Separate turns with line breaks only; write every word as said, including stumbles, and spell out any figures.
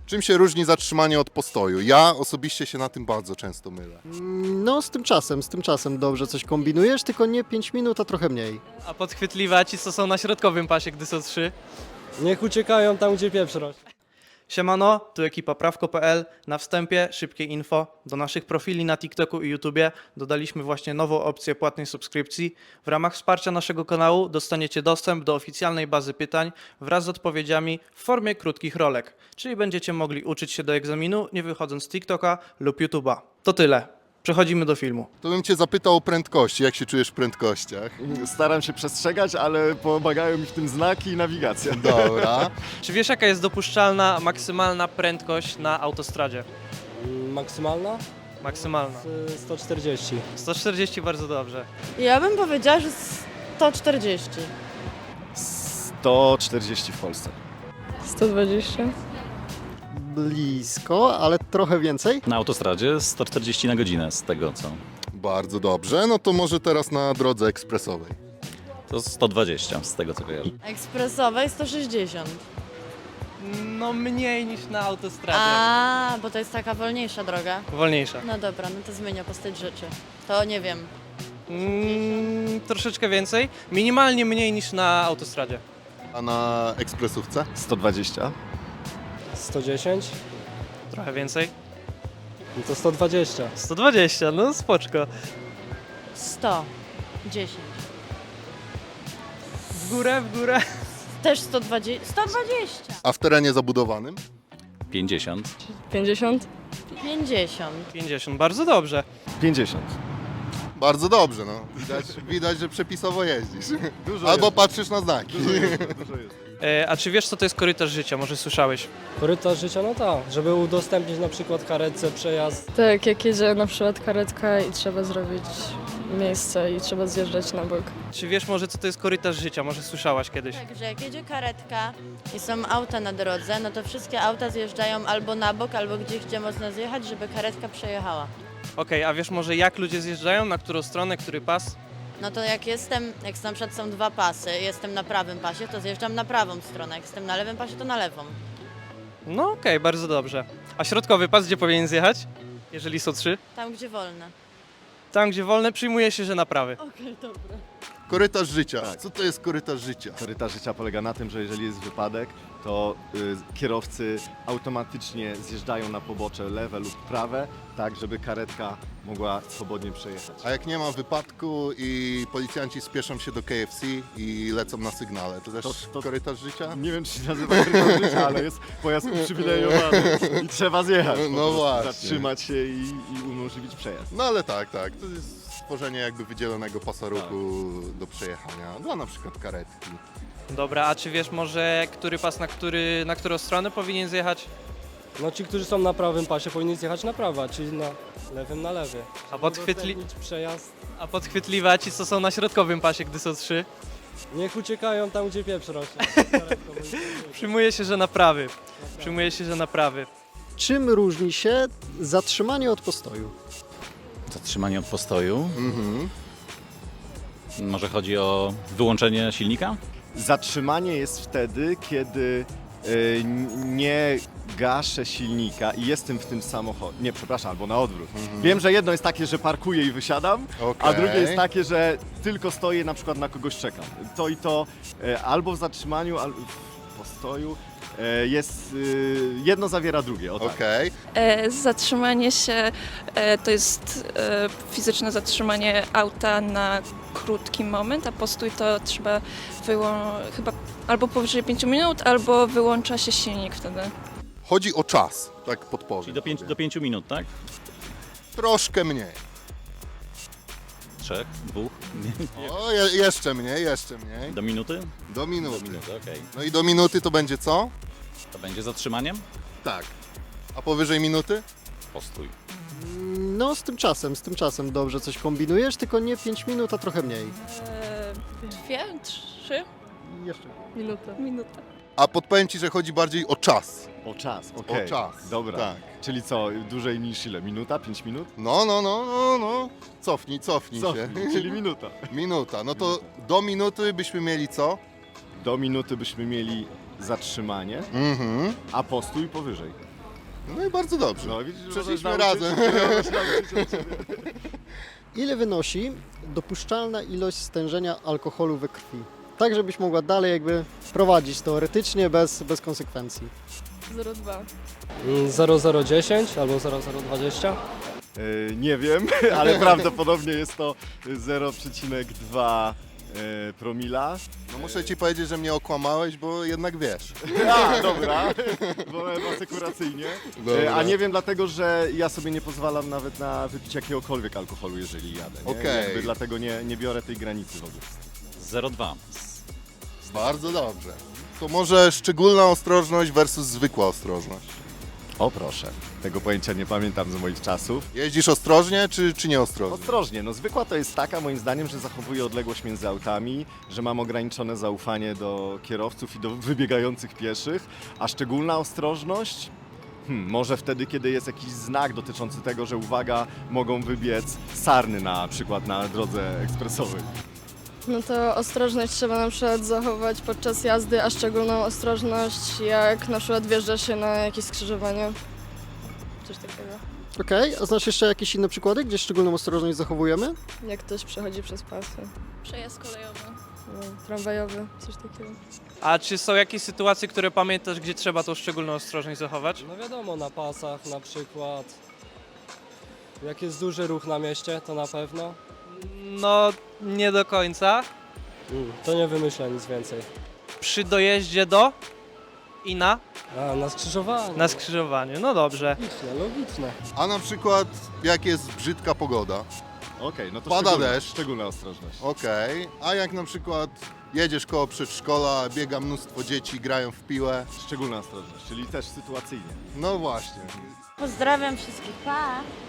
Czym się różni zatrzymanie od postoju? Ja osobiście się na tym bardzo często mylę.
No z tym czasem, z tym czasem dobrze coś kombinujesz, tylko nie pięć minut, a trochę mniej.
A podchwytliwa ci, co są na środkowym pasie, gdy są trzy?
Niech uciekają tam, gdzie pieprz rośnie.
Siemano, tu ekipa prawko kropka pe el. Na wstępie szybkie info. Do naszych profili na TikToku i YouTubie dodaliśmy właśnie nową opcję płatnej subskrypcji. W ramach wsparcia naszego kanału dostaniecie dostęp do oficjalnej bazy pytań wraz z odpowiedziami w formie krótkich rolek. Czyli będziecie mogli uczyć się do egzaminu, nie wychodząc z TikToka lub YouTuba. To tyle. Przechodzimy do filmu.
To bym cię zapytał o prędkości. Jak się czujesz w prędkościach?
Staram się przestrzegać, ale pomagają mi w tym znaki i nawigacja.
Dobra.
Czy wiesz, jaka jest dopuszczalna maksymalna prędkość na autostradzie?
Maksymalna?
Maksymalna.
Z sto czterdzieści.
sto czterdzieści, bardzo dobrze.
Ja bym powiedziała, że sto czterdzieści.
sto czterdzieści w Polsce.
sto dwadzieścia.
Blisko, ale trochę więcej.
Na autostradzie sto czterdzieści na godzinę z tego co.
Bardzo dobrze. No to może teraz na drodze ekspresowej.
To sto dwadzieścia z tego co kojarzę.
Ekspresowej sto sześćdziesiąt.
No mniej niż na autostradzie.
A, bo to jest taka wolniejsza droga.
Wolniejsza.
No dobra, no to zmienia postać rzeczy. To nie wiem.
Mm, troszeczkę więcej. Minimalnie mniej niż na autostradzie.
A na ekspresówce?
sto dwadzieścia.
sto dziesięć?
Trochę więcej.
No to sto dwadzieścia.
sto dwadzieścia, no spoczko.
sto dziesięć.
W górę, w górę.
Też sto dwadzieścia. sto dwadzieścia.
A w terenie zabudowanym?
pięćdziesiąt.
pięćdziesiąt. pięćdziesiąt.
pięćdziesiąt, bardzo dobrze.
pięćdziesiąt.
Bardzo dobrze, no. Widać, widać że przepisowo jeździsz.
Dużo
Albo
jest.
patrzysz na znaki.
Dużo jest, dużo jest.
E, a czy wiesz, co to jest korytarz życia? Może słyszałeś?
Korytarz życia, no tak. Żeby udostępnić na przykład karetce przejazd.
Tak, jak jedzie na przykład karetka i trzeba zrobić miejsce i trzeba zjeżdżać na bok.
Czy wiesz może, co to jest korytarz życia? Może słyszałaś kiedyś?
Tak, że jak jedzie karetka i są auta na drodze, no to wszystkie auta zjeżdżają albo na bok, albo gdzieś, gdzie można zjechać, żeby karetka przejechała.
Okej, a wiesz może, jak ludzie zjeżdżają? Na którą stronę, który pas?
No to jak jestem, jak na przykład są dwa pasy, jestem na prawym pasie, to zjeżdżam na prawą stronę, jak jestem na lewym pasie, to na lewą.
No okej, bardzo dobrze. A środkowy pas gdzie powinien zjechać? Jeżeli są trzy?
Tam, gdzie wolne.
Tam, gdzie wolne, przyjmuje się, że na prawy.
Okej, dobra.
Korytarz życia. Co to jest korytarz życia?
Korytarz życia polega na tym, że jeżeli jest wypadek, to y, kierowcy automatycznie zjeżdżają na pobocze lewe lub prawe, tak żeby karetka mogła swobodnie przejechać.
A jak nie ma wypadku i policjanci spieszą się do K F C i lecą na sygnale, to też
To- to-
korytarz życia?
Nie wiem, czy się nazywa korytarz życia, ale jest pojazd uprzywilejowany i trzeba zjechać. po
No
prostu,
właśnie.
Zatrzymać się i, i umożliwić przejazd.
No ale tak, tak. To jest stworzenie jakby wydzielonego pasa ruchu do przejechania dla na przykład karetki.
Dobra, a czy wiesz może, który pas na, który, na którą stronę powinien zjechać?
No ci, którzy są na prawym pasie, powinni zjechać na prawo, czyli na lewym na lewy.
A, podchwytli...
Udostępnić przejazd.
a podchwytliwa ci, co są na środkowym pasie, gdy są trzy?
Niech uciekają tam, gdzie pieprz rośnie.
Przyjmuje się, że na prawy. Przyjmuje się, że na prawy.
Czym różni się zatrzymanie od postoju?
Zatrzymanie od postoju.
Mhm.
Może chodzi o wyłączenie silnika?
Zatrzymanie jest wtedy, kiedy y, nie gaszę silnika i jestem w tym samochodzie. Nie, przepraszam, albo na odwrót. Wiem, że jedno jest takie, że parkuję i wysiadam, a
Okej.
drugie jest takie, że tylko stoję, na przykład na kogoś czekam. To i to e, albo w zatrzymaniu, albo w postoju e, jest, y, jedno zawiera drugie. O tak.
Okej.
E, zatrzymanie się e, to jest e, fizyczne zatrzymanie auta na krótki moment, a postój to trzeba wyłą- chyba albo powyżej pięciu minut, albo wyłącza się silnik wtedy.
Chodzi o czas, tak podpowiem.
Czyli do, pięć,
sobie.
do pięciu minut, tak?
Troszkę mniej.
Trzech, dwóch,
O, je, jeszcze mniej, jeszcze mniej.
do minuty?
Do
Do
minuty.
minuty, okej.
No i do minuty to będzie co?
To będzie zatrzymaniem?
Tak. A powyżej minuty?
Postój.
No z tym czasem, z tym czasem dobrze coś kombinujesz, tylko nie pięć minut, a trochę mniej.
E, dwie, trzy
Jeszcze.
minuty. Minuta.
A podpowiem Ci, że chodzi bardziej o czas.
O czas, okej.
O czas.
Dobra.
Tak.
Czyli co, dłużej niż ile? Minuta? Pięć minut?
No, no, no, no, no. Cofnij, cofnij
Co?
się.
Czyli minuta.
Minuta. No to do minuty byśmy mieli co?
Do minuty byśmy mieli zatrzymanie,
Mhm.
a postój powyżej.
No i bardzo dobrze.
No, widzisz,
Przeszliśmy
możesz nauczyć
razem.
się, możesz nauczyć się od siebie.
Ile wynosi dopuszczalna ilość stężenia alkoholu we krwi? Tak, żebyś mogła dalej jakby prowadzić teoretycznie bez, bez konsekwencji.
zero przecinek dwa.
Mm, zero zero dziesięć albo zero zero dwadzieścia.
E, nie wiem, ale prawdopodobnie jest to zero przecinek dwa e, promila.
No muszę ci powiedzieć, że mnie okłamałeś, bo jednak wiesz.
A, dobra, wolałem asekuracyjnie.
Dobra.
E, a nie wiem dlatego, że ja sobie nie pozwalam nawet na wypicie jakiegokolwiek alkoholu, jeżeli jadę. Nie?
Okej.
Jakby dlatego nie, nie biorę tej granicy w ogóle.
zero przecinek dwa.
Bardzo dobrze. To może szczególna ostrożność versus zwykła ostrożność.
O proszę, tego pojęcia nie pamiętam z moich czasów.
Jeździsz ostrożnie, czy, czy nieostrożnie?
Ostrożnie, no zwykła to jest taka moim zdaniem, że zachowuję odległość między autami, że mam ograniczone zaufanie do kierowców i do wybiegających pieszych, a szczególna ostrożność? Hmm, może wtedy, kiedy jest jakiś znak dotyczący tego, że uwaga, mogą wybiec sarny na przykład na drodze ekspresowej.
No to ostrożność trzeba na przykład zachować podczas jazdy, a szczególną ostrożność jak na przykład wjeżdża się na jakieś skrzyżowanie. Coś takiego.
Okej, a znasz jeszcze jakieś inne przykłady, gdzie szczególną ostrożność zachowujemy?
Jak ktoś przechodzi przez pasy.
Przejazd kolejowy.
No, tramwajowy, coś takiego.
A czy są jakieś sytuacje, które pamiętasz, gdzie trzeba tą szczególną ostrożność zachować?
No wiadomo, na pasach na przykład. Jak jest duży ruch na mieście, to na pewno.
No, nie do końca.
Mm, to nie wymyślę nic więcej.
Przy dojeździe do i na,
A, na skrzyżowaniu.
na skrzyżowaniu. No dobrze.
Logiczne, logiczne.
A na przykład jak jest brzydka pogoda,
Okej, no to
Pada
szczególna,
deszcz.
szczególna ostrożność.
okej, a jak na przykład jedziesz koło przedszkola, biega mnóstwo dzieci, grają w piłę,
Szczególna ostrożność, czyli też sytuacyjnie.
no właśnie.
Pozdrawiam wszystkich, pa!